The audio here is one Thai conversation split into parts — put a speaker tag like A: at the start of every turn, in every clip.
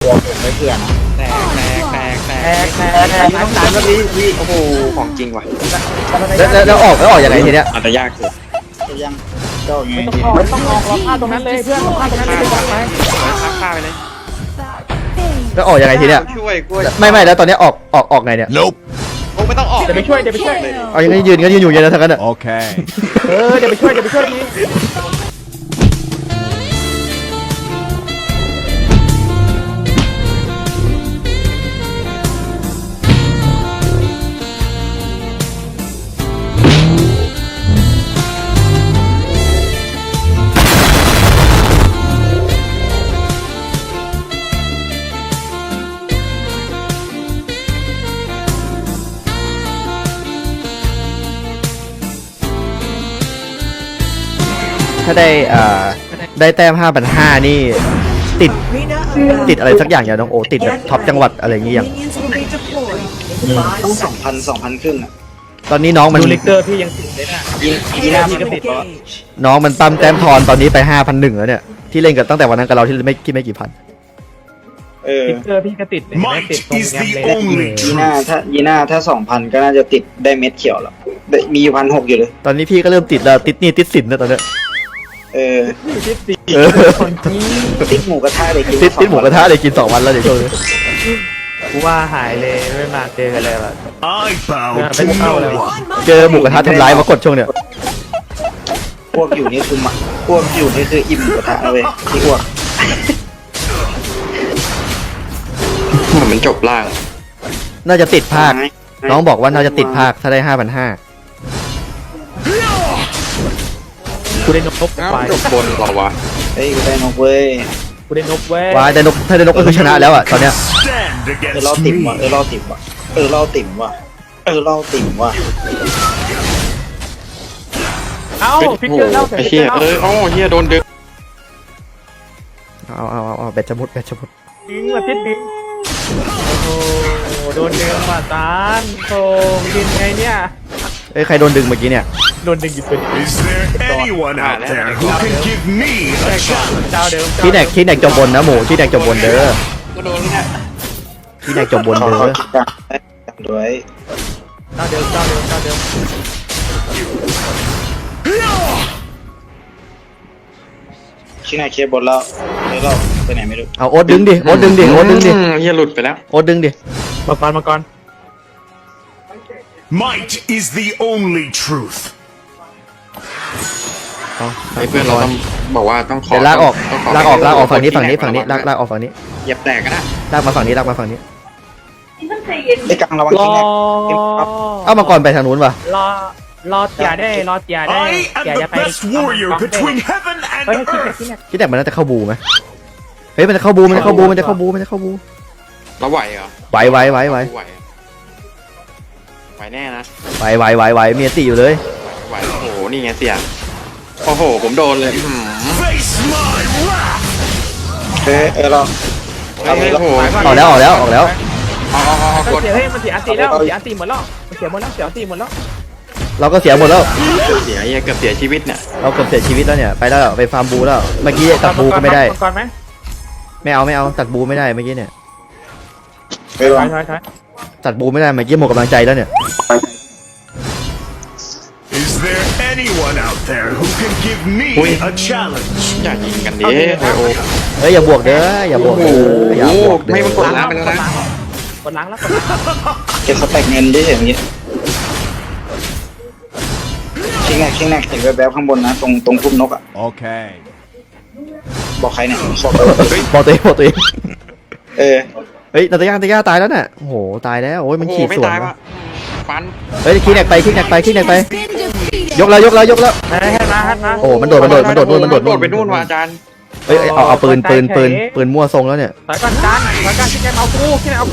A: ตัวผมไม่เพื่อนนะ
B: แตก
A: ต้องการก็พี่โอ้โหของจริงว่ะ
C: แล้วออกยังไงทีเนี้ย
B: อาจจะยากสุด
A: ยังเจ้าไง
D: ไม่ต้องออกเราฆ่าตรงนั้นเลยเพื่อนเราฆ่าตรงนั้นเลยไป
B: ฆ่าไปเลย
C: แล้วออกยังไงทีเนี้ย
B: ช่วยกล้วย
C: ไม่แล้วตอนเนี้ยออกไงเนี่ย
B: โอ้ไม่ต้องออก
D: เดี๋ยวไปช่วย
C: เอายังไงยืนอยู่อย่างนั้นทั้งนั้นอ่ะ
E: Okay.
D: เดี๋ยวไปช่วยที
C: ถ้าได้แต้ม5,500นี่ติดอะไรสักอย่างอย่างน้องโอติดแบบท็อปจังหวัดอะไรอย่างเงี้ยอย่าง
A: ต้อง2,000ขึ้นอ่ะ
C: ตอนนี้น้องมัน
D: ดูลิกเตอร์พี่ยังติดเลยนะ
A: ยีน่าพี่ก็ติดแล้ว
C: น้องมันตั้มแต้มทอนตอนนี้ไป5,100แล้วเนี่ยที่เล่นกันตั้งแต่วันนั้นกับเราที่ไม่กี่พัน
D: ลิกเตอร์พี่ก็ติดติดตรงแงเลย
A: ยีน่าถ้า2,000ก็น่าจะติดได้เม็ดเขียวแล้วมีอยู่1,600อยู่เลย
C: ตอนนี้พี่ก็เริ่มติดแล้วติดหนี่ติดสินแล้วตอนเนี้ย
D: ติดตี
C: คนที่
A: ติดหมูกระทะเลยกิน
C: ติดหมูกระทะเลยกิน2 วันแล้วเดี๋ยวช่วงนี้
D: กูว่าหายเลยไม่มาเจอกันเลยว่ะ
E: I bow to no one.
C: เจอหมูกระทะทำร้ายมากดช่วงเนี้ย
A: พวกอยู่นี่คือพวกอยู่นี่คืออิ่มหมูกระทะนะเว้ยที่พวก
B: มันจบล่าง
C: น่าจะติดภาคน้องบอกว่าน่าจะติดภาคถ้าได้5,500
D: กูได้นก
B: อ้าว
D: ไป
B: จบบนเหรอวะ
A: เฮ้ยกูได้นกเว้ย
D: กูได้นกเว้ย
C: ว้ายได้นกถ้าได้นกก็คือชนะแล้วอ่ะตอนเนี้ย
E: Stand
A: เรา
E: against
A: ติ่มว่ะ
E: me.
A: เราติ่มว่ะเราติ่มว่ะเราติ่มว่ะ
D: เอ้าพิกเกอร์เล่าเสร็จ
B: ไอ้เหี้ยเหี้ยโดนดึง
C: เอาแบตจะหมด
D: ดึงมาติดดึงโอ้โหโดนดึงมาตานโธ่ยินไงเนี่ย
C: เอ้ยใครโดนดึงเมื่อกี้เนี่ย
D: โดนดึงอยู่เป็น
E: Is there anyone out there who can give me a challenge?
D: เจ้าเดิม
C: ที่แนกจบบนนะหมูที่แนกจบบนเด้อ
B: ก็โดนเนี่ย
C: ที่แนกจบบน
A: เขา
C: เด้อ
A: คิดกันด้วย
D: เจ้าเดิม
A: ชินาเคบนแล้วเราไปไหนไม่รู้
C: เอาโอ๊ตดึงดิโอ๊ตดึงดิ
B: เหี้ยหลุดไปแล้ว
C: โอ๊ตดึงดิ
D: มาก่อน
E: Might is the only truth.
C: เอา
B: ไอ้เพื่อนเราต้องบอกว่าต้องขอ
C: เดี๋ยวลากออก
B: ต้องข
C: ลากออกฝั่งนี้ลากออกฝั่งนี้
B: เหยียบแตกกันนะ
C: ลากมาฝั่งนี้
A: ไอ้กลางระวัง
D: รอ
A: กินนะ
C: เอามาก่อนไปทางนู้นว่ะ
D: รอเตียได้
E: I am the best warrior between heaven
D: เฮ้ย
E: and
D: คิด
E: earth.
C: ที่แนกมันน่าจะเข้าบูไหมเฮ้ยมันจะเข้าบู
B: เราไหวเหรอ
C: ไหว
B: ไหวแน่นะ
C: มีอติอยู่เลย
B: ไหวโอ้โหนี่ไงเสียโอ้โหผมโดนเลย
E: Face my wrath.
A: เรา
B: โอ้โห
C: ออกแล้ว
B: เอา
D: เสียมันเสียอันตีแล้วเสียอันตีหมดแล้วเสียหมดแล้ว
C: เราก็เสียหมดแล้ว
B: เสียเกือบเสียชีวิตเนี่ย
C: เราเกือบเสียชีวิตแล้วเนี่ยไปแล้วไปฟาร์มบูแล้วเมื่อกี้ตัดบูก็ไม่ได้
D: ก่อนไหม
C: ไม่เอาตัดบูไม่ได้เมื่อกี้เนี่ย
A: ไปวาง
D: ถอย
C: ตัดบูไม่ได้เมื่อกี้หมดกำลังใจแล้วเนี่ย
E: Is there anyone out there who can give me a challenge?
B: อย่ายิงกันดิโอ้โห
C: เฮ้ยอย่าบวกเด้ออย่าบวกเด้ออย่าบวกเด้
B: ไม่มันก
C: อ
B: ดล้างไปแล้วนะ
D: กดล้างแล้ว
A: เก็บสแต็กเงินดิอย่างนี้ชิงแนกเห็นแบบข้างบนนะตรงพุ่มนกอ่ะ
E: Okay.
A: บอกใครเนี่ย
C: บอกตัวเอง
A: เฮ้ย
C: นาตาย่าตายแล้วน่ะโอ้โหตายแล้วโอ้ยมัน
B: โอ้โห
C: ขีด
B: ไม่
C: สวน
B: ตายว่ะฟัน
C: เฮ้ยขี้แนกไปยกแล้ว
D: ให้มา
C: โอ้มันโดดนู่น
B: ไปนู่นว่ะอาจารย์
C: เฮ้ยเอาปืนมั่วทรงแล้วเนี่ย
D: ถอยก่อนที่แกเอากู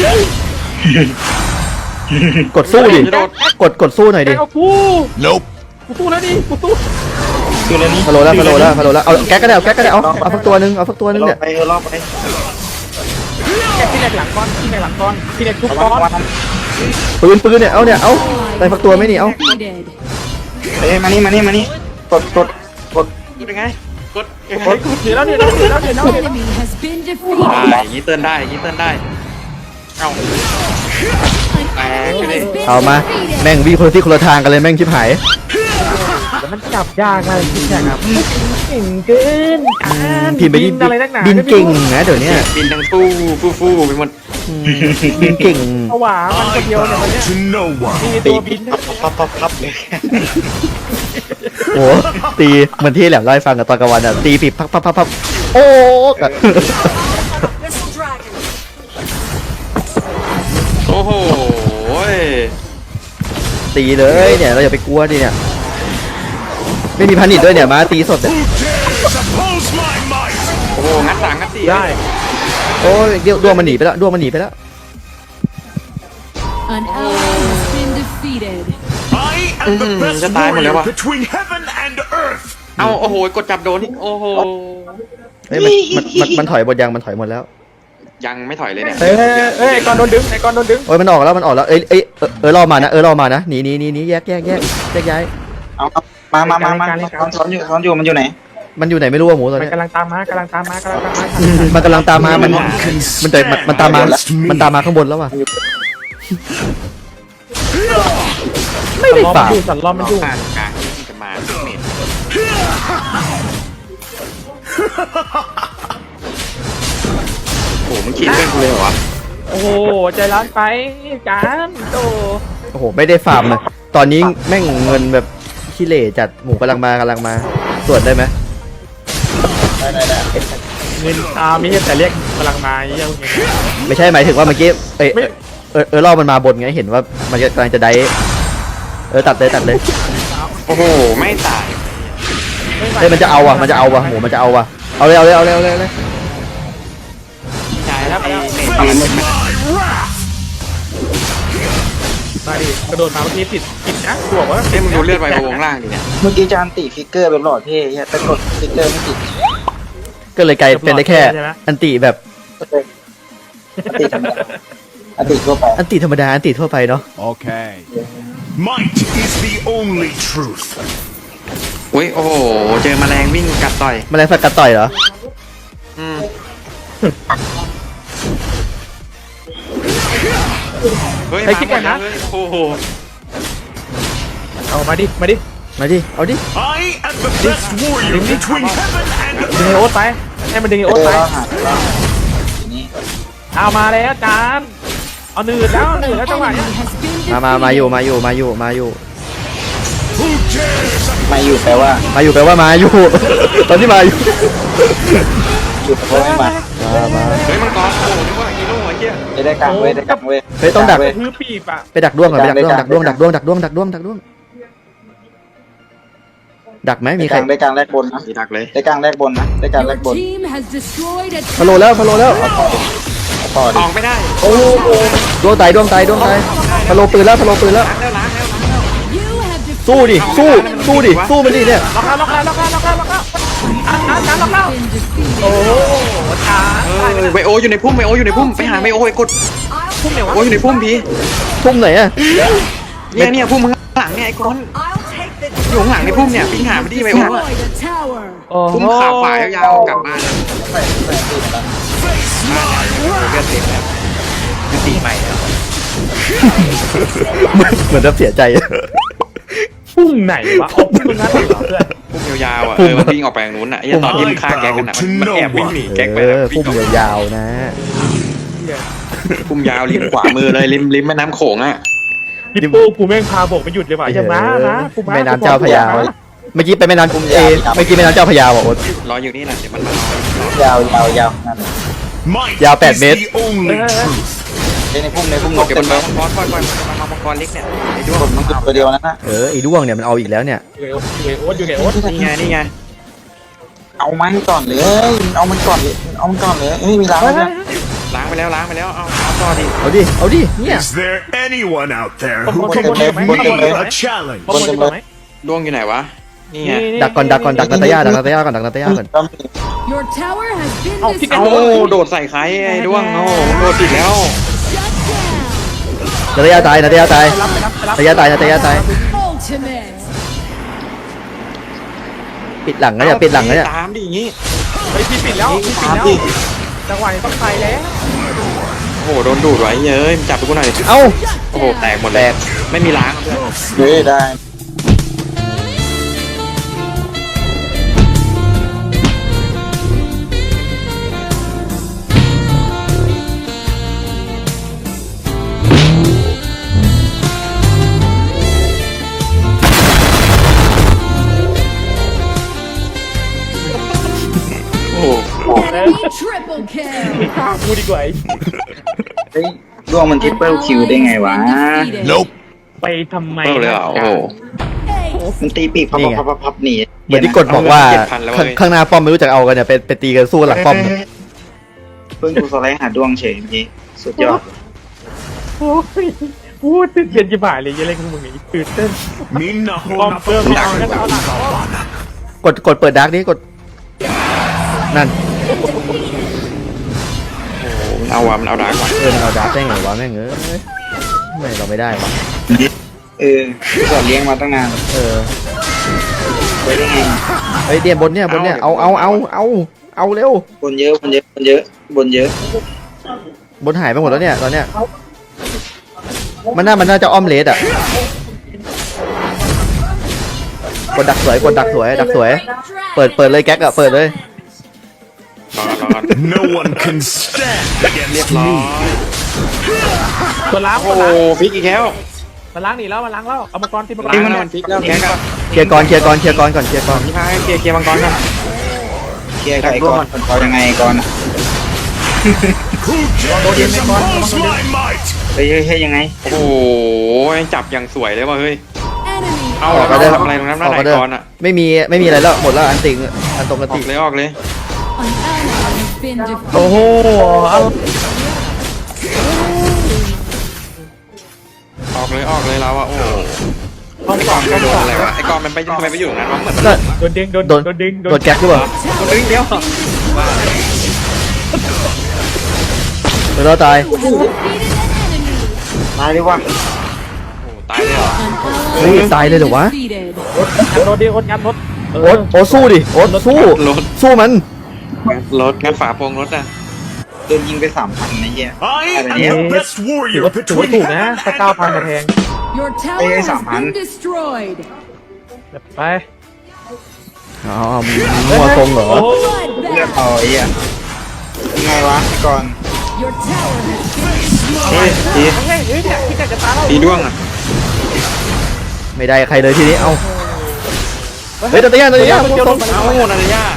C: กดสู้ดิกดสู้หน่อยดิ
D: เอากู
E: Nope.
D: กูสู้แล้วดิกูสู้
A: คืออะไรนี่
C: ฟาโลแล้วเอาแก๊กก็ได้เอาสักตัวนึงเนี่ย
A: ไปรอบไป
D: แกที่ไหนหลังก้อนที่ไหนทุกก้อน
C: ปืนเนี่ยเอาได้สักตัวไหมนี่เอา
A: เฮ้ยมานี่กด
B: พูดยังไงกด
D: เดี๋ยวแล้วเดี๋ยวแล้วเดี๋ยวแล้วเดี๋ยวแล้ว
F: Enemy has been
B: อย่างนี้เตือนได้อย่างนี้เตือนได้เอาแตกไปเลย
F: defeated.
C: เอามาแม่งวิ่งคนที่คนละทางกันเลยแม่งชิบหาย
D: แล้วมันจับยากเลยพี่แจ๊คครับเก่งเกิน
C: พิมพ์ไปดิ
D: อะไรนักหนา
C: บินเก่งนะเดี๋ยวเนี้ย
B: บินทั้งฟู่ไปหมด
C: บินเก่ง
D: เอาหวามันคนเดียวเนี่ยมันเนี้ย
E: To no one.
D: มีตัวบิน
A: พับเลย
C: โอ้ตีเหมือนที่แหลมเล่าให้ฟังกับตอนกลางวันอ่ะตีปีบพับโอ้กะ
B: โอ้โห
C: ตีเลยเนี่ยเราอย่าไปกลัวดิเนี่ยไม่มีพันิดด้วยเนี่ยมาตีสดเนี่ย
E: Who dares oppose my might?
B: โอ้โหงัดสามงัดสี่
D: ได้
C: โอ้ยเดี๋ยวดวงมันหนีไปแล้วดวงมันหนีไปแล้ว
F: An ally has been defeated.
E: I am the best
B: จะตายหมดแล้ว
E: warrior
B: วะ
E: between heaven and earth.
B: เอาโอ้โหกดจับโดนอีกโอ้โห
C: เฮ้ยมันถอยหมดยังมันถอยหมดแล้ว
B: ยังไม่ถอยเลยเนี่ย
D: เอ้ยไอ้กอนโดนดึงไอ้กอนโดนดึง
C: โอ้ยมันออกแล้วเอ้ยรอมานะรอมานะหนีแยกย้าย
A: เอามาซ้อนอยู่มันอยู่ไหน
C: มันอยู่ไหนไม่รู้อะหมูตอน
D: มัน
C: เนี้ย
D: กำลังตามมากำลังตามมา
C: มันกำลังตามมามัน
E: No one can
C: มันตาม
E: stand
C: มา
E: against me.
C: มันตามมาข้างบนแล้วว่ะไม่ได้ฝ่า
D: สันล้อมมันอยู่
B: กลางที่จะมาเมดโอ้โหมึงขีดเพื่อนกูเลยเหรอวะ
D: โอ้โหใจร้อนไปจานโต
C: โอ้โหไม่ได้ฟาร์มเลยตอนนี้แม่งเงินแบบขี้เหร่จัดหมูกำลังมาตรวจได้ไหม
D: เงินมีแต่เรียกกำลังมาเยี่ยม
C: ไม่ใช่หมายถึงว่าเมื่อกี้รอบมันมาบนไงเห็นว่ามันกำลังจะได้ตัดเลย
B: โอ้โหไม่ตาย
C: เฮ้ยมันจะเอาว่ะหมูมันจะเอาว่ะเอาเลย
B: ใช่แล้วไอ้เมด
E: Face my wrath.
D: มาดิกระโดดมาเมื่อกี้ผิดนะกูบอกว่า
B: เอ้ยมึงดูเลือดไวโอวงล่างดิเนี่ย
A: เมื่อกี้จานติฟิกเกอร์แบบหล่อเท่แต่กดฟิกเกอร์ไม่ติด
C: ก็เลยกลายเป็นได้แค่อันติแบบ
A: อันติทั่วไป
C: อันติธรรมดาอันติทั่วไปเนาะ
E: Okay. Might is the only truth.
B: อุ้ยโอ้โหเจอแมลงวิ่งกัดต่อย
C: แมลงสัตว์กัดต่อยเหรอ
B: อืมเฮ้ยมาหมดแล้วเฮ้ยโอ้โห
D: เอามาดิ
C: เอาดิ
E: I am the best warrior between heaven and
D: ดึง
E: earth.
D: ไอโอ๊ตไปให้มันดึงไอโอ๊ตไป
A: แล้วหาแล้วทีนี้
D: เอามาแล้วจานเอาหนืดแล้วจังหวะ
F: Enemy
D: เนี้ย
F: has been
C: มาอยู่
E: Who dares
A: มาอยู่แปลว่า
C: แปลว่ามาอยู่ ตอนที่มาอยู่
A: อยู่แปลว่าไม่มา
B: เฮ้ยมังกรโอ้โหนึกว่าฮีโร่ไอ้เหี้ย
A: ได้กลางเว้ย
C: เฮ้ยต้องดัก
D: คือปีบอ่ะ
C: ไปดักด้วงก่อนไปดักด้วงดักด้วงดักไหมมีใคร
A: ได้กลางแรกบนนะ
B: มีดักเลย
A: ได้กลางแรกบนนะได้กลางแร
F: Your
A: กบน
F: team has destroyed a
C: พะโลแล้ว
A: ต่อ
B: อ
A: ดิ
B: อกไม่ได้
C: ดวงตายพะโลปืนแล้ว
B: ล้างแล้ว
F: You have defeated
C: สู้มันดิเนี่ย
D: ล็อกแล้วจานล็อกแล้ว
F: been defeated.
D: โอ้จาน
B: ไวโออยู่ในพุ่มไปหาไวโอไอ้กด
D: พุ่มเหนียว
B: ไวโออยู่ในพุ่มพี่
C: ทุ่มไหนอะ
B: เนี่ยพุ่มข้างหลังเนี่ยไอ้ก้อนอยู่ข้างหลังในพุ่มเนี่ยปิ้งหาไม่ดีไวโอ
F: Destroyed a tower.
D: โอ้
B: พุ่มขาขวายาวๆกลับบ้านเลือดเต็มแล้วคือตีใหม่แล้ว
C: เหมือนจะเสียใจ
D: พุ่มไหนวะพุ่มนั้นเหรอเพื่อน
B: พุ่มยาวๆอ่ะมันวิ่งออกไปทางนู้นอ่ะไอ้ตอนที่มันฆ่าแก๊กกันอ่ะมันแอบวิ่งหนีแก๊กไปแล้ววิ่
C: พุ่
B: ง
C: ม
B: ออก
C: ยาวๆนะ
B: พุ่มยาวริมขวามือเลยริมแม่น้ำโขงอ่ะ
D: พี่ปูกูแม่งพาบอกไปหยุดเลยว่ะอย่ามากูมา
C: แม่น้ำเจ้าพระยาเมื่อกี้ไปแม่น้ำเมื่อกี้แม่น้ำเจ้าพระยาบอกโอ๊ต
B: รออยู่นี่แหละเดี๋ยวมันมาเอา
A: ยาวนั่น
E: might
C: Yeah,
E: is
C: bad, mate.
E: the only truth.
A: ในพุ่มนก
B: เก็บ
A: เต็
B: บ
A: ม
B: น
A: เล
B: มาย มังกรปล่อยมามังกรเล็กเนี่ยไอ้ด้วง
A: มันคือตัวเดียวนะ
C: ไอ้ด้วงเนี่ยมันเอาอีกแล้วเนี่ย
D: อยู่ไอโอ๊ต
B: นี่ไง
A: เอามันก่อนเลยไม่มีล้างนะ
B: ล้างไปแล้วเอาต่อดิ
C: เอาดิเนี่ย
E: Is there anyone out there
D: Bom,
E: who
D: bom,
E: can
D: bom,
E: give
D: bom,
E: me
D: bom, bom,
E: a
D: bom.
E: challenge?
D: บอลดีกว่าไหม
B: ด้วงอยู่ไหนวะนี่ไง
C: ดักก่อนดักนาตาย่าก่อน
F: Your tower has been
D: เอาพี่
B: เอา
F: destroyed.
B: โดดใส่ใครไอ้ด้วงโอ้โดดติดแล้ว
F: Shut down.
C: นาตาย่าตาย
D: รับไปรับ
C: นาตาย่าตาย
F: Ultimate.
C: ปิดหลังนะเนี่ยปิดหลังนะเนี่ย
B: ตามดิอย่างงี้
D: ไปพี่ปิดแล้วพี่ปิด
B: ตาม
D: แล้ว
B: ดิ
D: จังหวะนี้ต้องไปแล้ว
B: โอ้โหโดนดูดไว้เย้ยจับไปกูหน่อย
C: เอ้า
B: โอ้โหแตกหมดเลยไม่มีล้างเพื่อน
A: เฮ้ยได้
B: โอ้โห
F: Enemy triple kill.
D: ฆ่ากูดีกว่า
A: เฮ้ยดวงมันทริปเปิลคิวได้ไงวะ
E: Nope.
D: ไปทำไม
B: เปิดเลยเหรอโอ้โห
A: มันตีปีกพับพับพับพับหนี
C: เหมือนที่กดบอกว่า
B: 7,000แล้วเว้ย
C: ข้างหน้าป้อมไม่รู้จักเอากันเนี่ยไปตีกันสู้หลังป้อม
A: เพิ่งกูสไลด์หาดวงเฉยเมื่อกี้สุดยอด
D: โอ้ยพูดตื่นเต้นจิ๋วเลยยังเล่นกับมึงอีกตื่นเต้น
E: Minna
D: ป้อม
E: hona
D: เพิ่มไม่เอาแล้วเอาหลังป้อม
C: กดเปิดดาร์กนี่กดนั่น
B: มันเอาวะมันเอาดาร์กว่ะ
C: มันเอาดาร์กได้ไงวะแม่งไม่เราไม่ได้วะ
A: สอนเลี้ยงมาตั้งนาน ไปได้ไง
C: เฮ้ยเดียบนเนี่ยเอาเร็ว
A: บนเยอะบนเยอะบนเยอะบนเยอะ
C: บนหายไปหมดแล้วเนี่ยตอนเนี้ยมันน่าจะอ้อมเลสอ่ะกดดักสวยดักสวยเปิดเลยแก๊กอะเปิดเลย
B: รอ
E: No one can stand
B: เรียบ
E: against
B: ร้อย
E: me.
D: ตัวล้าง
B: โอ้โหพลิกอีกแล้ว
D: มาล้างหนีแล้วมาล้างแล้วเอามังกรตีมังกร
B: พลิกมันพลิกแล้วแกก็
C: เคลียร์ก่อนก่อน
B: พี่พายเคลียร์มังกรก่อน
A: เคลียร์กับไอ้ก้อนเขายังไงไอ้ก้อนอะ
E: Who dares oppose my might?
A: เฮ้ยยังไง
B: โอ้โหจับอย่างสวยเลยว่ะเฮ้ย
F: Enemy
B: เอา
C: ออก
B: แล้ว
C: ก็ได้
B: ทำอะไรตรงนั้นหน้าไหนก่อนอ่ะ
C: ไม่มีอะไรแล้วหมดแล้วอันติงอันตรงกัน
B: อ
C: ติ
B: อกเลยออกเลย
F: an ally has been defeated.
D: โอ้โหเอา
B: ออกเลยเราอ่ะโอ้โห
D: ห้องสอง
B: โด
D: ห้อง
B: น
D: สอง
B: อะไรวะไอ้กอนมันไปทำไมไปอยู่ตรงนั้นวะเหมือน
C: ก็
D: โดนดึงโดน
C: โดน
D: ดึง
C: โดนแก๊กหรือเปล่า
B: ดึงเดียว
C: เราตาย
F: Has defeated an enemy.
A: ตายดีกว่า
B: โอ้ตายเลยเหรอ
F: An
C: เฮ้ย
F: ally
C: ตายเลยเหรอวะ
F: defeated.
D: รถดิรถงัดรถ
C: โอ๊ตสู้ดิโอ๊ตสู้มัน
B: รถงัดฝาโปรงรถอ่ะ
A: โดนยิงไป3,000นะเหี้ย
E: I am the best
D: ถือ
E: warrior
D: ว่าถู
E: between
D: กนะถ้า9,000มาแทง
F: Your tower
A: Hey,
F: has
A: Saman.
F: been destroyed.
D: ไป
C: อ๋อมัวทรงเหรอ
D: โอ้
A: เลือก
F: Bloodbath.
A: เอาไอ้เหี้ยยังไงวะไอ้ก้อน
F: Your tower has been
B: เฮ้ยตี
D: เฮ้ยเนี่ยพี่แกจะตายแล้ว
B: ตีด้วงอ่ะ
C: ไม่ได้ใครเลยทีนี้เอาเฮ้ยตัวย่ามัวทรง
B: เอานาฬิกา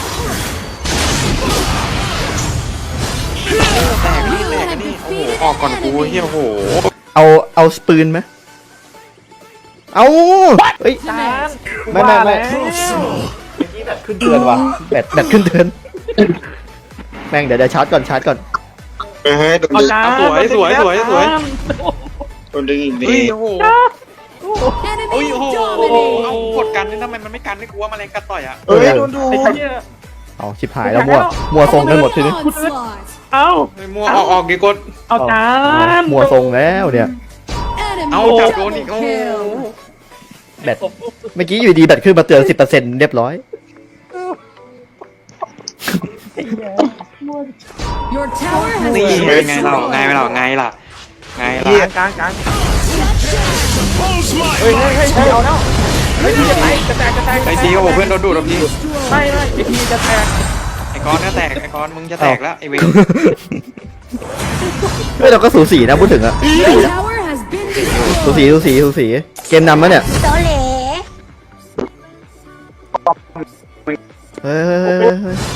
B: แตกนี่โอ้โหออกก่อนกูเฮียโอ้โห
C: เอาสปืนไหมเอาเฮ้ย
D: ตาย
C: ไม่ ขึ้นเตือนว่ะแบตขึ้นเตือนแม่งเดี๋ยวชาร์จก่อน
A: เฮ้ยโดน
D: เอา
A: ดึง
D: จ้า
A: โดนดึงอีกดิ
B: เฮ้ยโอ้โห
F: Enemy
B: โอ้ยโอ้โห
F: dominated.
B: เอากดกันนี่ทำไมมันไม่กันไม่กลัวแมลงกัดต่อยอ่ะ
A: เฮ้ยโดนดู
D: ไอ้เหี้ย
C: เอาชิบหายแล้วมัวทรงกันหมดทีนี้
F: Onslaught.
D: เอ้า
B: มัวออกดีกด
D: เอาจาน
C: มัวทรงแล้วเนี่ย
F: Enemy
B: เอาจับโดนอีก
F: double
B: โอ้โห
F: kill.
C: แบตเมื่อกี้อยู่ดีแบตขึ้นมาเตือน 10%เรียบร้อย
F: Your tower has
B: นี่
F: been
B: ไงเราไง
F: destroyed.
B: เราไงล่ะ
D: กลาง
E: oppose my
D: เฮ้ย
E: might.
D: เอาแล้วเฮ้ยจะแตกจะแตก
B: ไอ้ทีโอ้โหเพื่อนโดนดูดที
D: ไม่ไอ้ทีจะแตก
B: ไอ้กอนก็แตกไอ้กอนมึงจะแตกแล้วไอ้เวร
C: เฮ้ยเราก็สูสีนะพูดถึงอะ
F: Your tower has been destroyed.
C: สูสีเกมนำแล้วเนี่ยเฮ้ย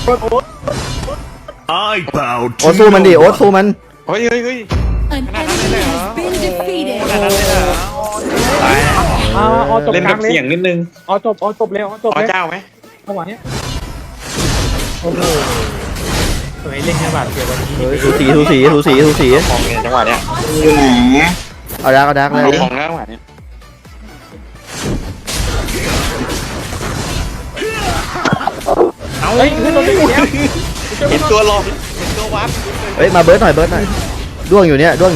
E: I bow
C: โอ๊ต
E: to
C: สู้มันดิ
E: no
C: โอ๊ต
E: one.
C: สู้มัน
B: เฮ้ย
F: An enemy has been defeated.
B: ขนาดนั้นเลยเหรอตาย
D: อ๋อจบ
B: เล่น
D: ก
B: แบ
D: ลาง
B: บ
D: เลย
B: เสียงนิดนึง
D: อ๋อจบแล้วจบ
B: อ๋อ
D: แล้ว
B: เจ้าไหม
D: จังหวะนี้โอ้โหสวยเล่นแค่บาดเจ็บวันนี้
C: เฮ้ยสูสี
B: ของเนี่ยจังหวะเนี้ย
A: อยู่ไหน
C: เอาดักเลย
B: เอาของแล้วจังหวะเนี้ย
D: เฮ้ยขึ้นรถไปแล้ว
B: เห็นตัวลอยเห็นตัววับ
C: เฮ้ยมาเบิร์ดหน่อยด้วงอยู่เนี่ย
B: เบิ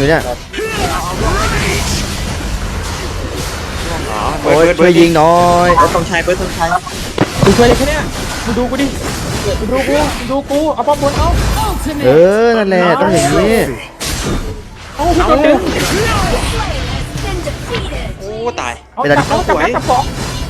C: โอ้ย
B: ร์ด
C: ช่วยยิงหน้อย
A: ต้องใช้เบิร์ดต้องใช้
D: กูช่วยเลยแค่เนี้ยมึงดูกูดิมึงดูกูเอาป้อมบนเอา
C: เอ
F: Ultimate.
C: อนั่นแหละต้องอย่างนี้
D: เอาพี่โดนดึง
B: โอ้ตาย
D: เอาจับเอาจับจับสอง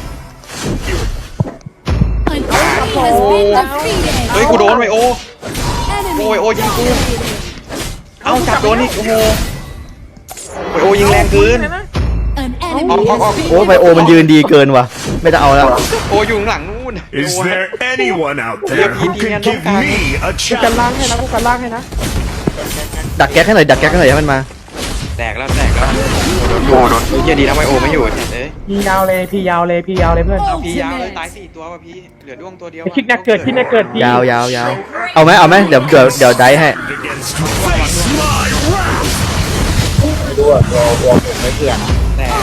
F: An enemy has been defeated.
B: เฮ้ยกูโดนไวโอ
F: Enemy
B: Ôi, ôi,ยิงกู
F: dominated.
B: เอาจับโดนอีกโอ้โหไวโอยิงแรงเกิน
F: An
B: Oh,
F: enemy
B: oh, oh,
F: has been
C: โอ้ไบโอมันยืนดีเกินว่ะไม่จะเอาแล้ว
B: โออยู่ข้างหลังนู่น
E: Is there anyone out there
B: Yeah,
E: who
B: yeah,
E: can
B: yeah,
E: give
B: don't
E: me a
D: กูกันล่าง
E: challenge?
D: ให้นะกูกันล่างให้นะ
C: ดักแก๊กให้หน่อยดักแก๊กให้หน่อยให้มันมา
B: แตกแล้วโอ้โดนเฮียดีนะไวโอไม่อยู่เอ้ย
D: พี่ยาวเลยเพื่อน
B: เอาพี่ยาวเลยตาย4ตัวว่ะพี่เหลือด้วงตัวเดียว
D: คิดแนกเกิดพี่
C: ยาวยาวยาวเอาไหมเดี๋ยวได้ให้
E: Against face my wrath!
A: ไม่รู้อ่ะวอผมไม่เพื่อน
B: แตก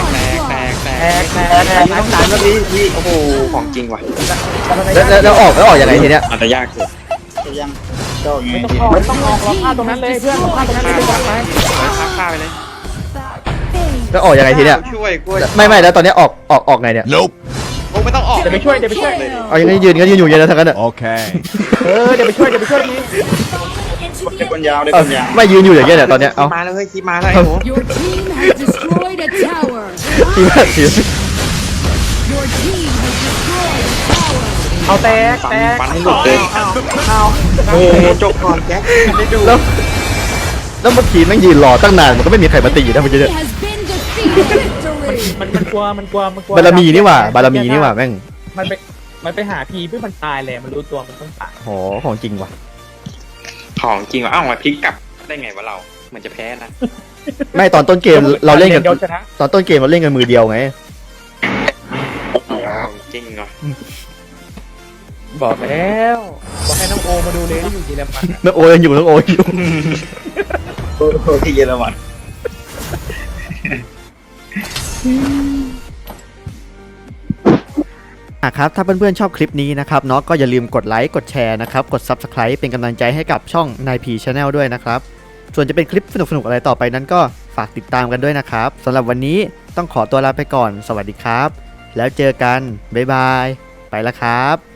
A: ต้องการก็พี่
B: โอ้โหของจริงว่ะ
C: แล้วออกยังไงทีเนี้ย
B: อาจจะยากสุด
A: จะยังเจ้าไง
D: ไม่ต้องออกไม่ต้องออกเราพลาดตรงนั้นเลยเพื่อนเราพลาดตรงนั้นเลยไป
B: ฆ่าไปเลย
C: แล้วออกยังไงทีเนี้ย
B: ช่วยกล้วย
C: ไม่แล้วตอนเนี้ยออกไงเนี่ย
E: Nope.
B: โอ้ไม่ต้องออก
D: เดี๋ยวไปช่วย
C: เอายังไงยืนอยู่อย่างนั้นทั้งนั้นอ่ะ
E: Okay.
D: เดี๋ยวไปช่วยพี่
A: เด็กคนยาวเด็ก
C: เอา
A: คนยาว
C: ไม่ยืนอยู่อย่างเงี้ยเนี่ยตอนเนี้ยเอา
B: มาแล้วเฮ้ยคีมาแล้วไอ้หนู
F: Your team has destroyed a tower.
C: ทีมากทีม
F: Your team has destroyed a tower.
D: เอาแตก
B: ฟันให้หลุดเลย
D: เอา
B: โอ้จบก่อนแจ็คได้ดู
C: แล้วเมื่อกี้แม่งยืนรอตั้งนานมันก็ไม่มีใครมาตีนะเมื่อกี้
F: Enemy
C: เนี่ย
F: has been defeated. Victory.
D: มันกลัว
C: บารมีนี่หว่าบารมีนี่หว่าแม่ง
D: มันไปหาพีเพื่อมันตายเลยมันรู้ตัวมันต้องตาย
C: โหของจริงว่ะ
B: ของจริงว่ะเอ้ามาพลิกกลับได้ไงวะเราเหมือนจะแพ้นะ
C: ไม่ตอนต้นเกมเราเล่นกัน
D: เดียวชนะ
C: ตอนต้นเกมเราเล่นกันมือเดียวไง
B: ของจริงเหรอ
D: บอกแล้วบอกให้น้องโอมาดูเลยที่อยู่เยอรมัน
C: น้องโอยังอยู่น้องโออยู่
A: ที่เยอรมัน
C: ครับถ้าเพื่อนๆชอบคลิปนี้นะครับเนาะก็อย่าลืมกดไลค์กดแชร์นะครับกด Subscribe เป็นกำลังใจให้กับช่อง 9P Channel ด้วยนะครับส่วนจะเป็นคลิปสนุกๆอะไรต่อไปนั้นก็ฝากติดตามกันด้วยนะครับสำหรับวันนี้ต้องขอตัวลาไปก่อนสวัสดีครับแล้วเจอกันบ๊ายบายไปแล้วครับ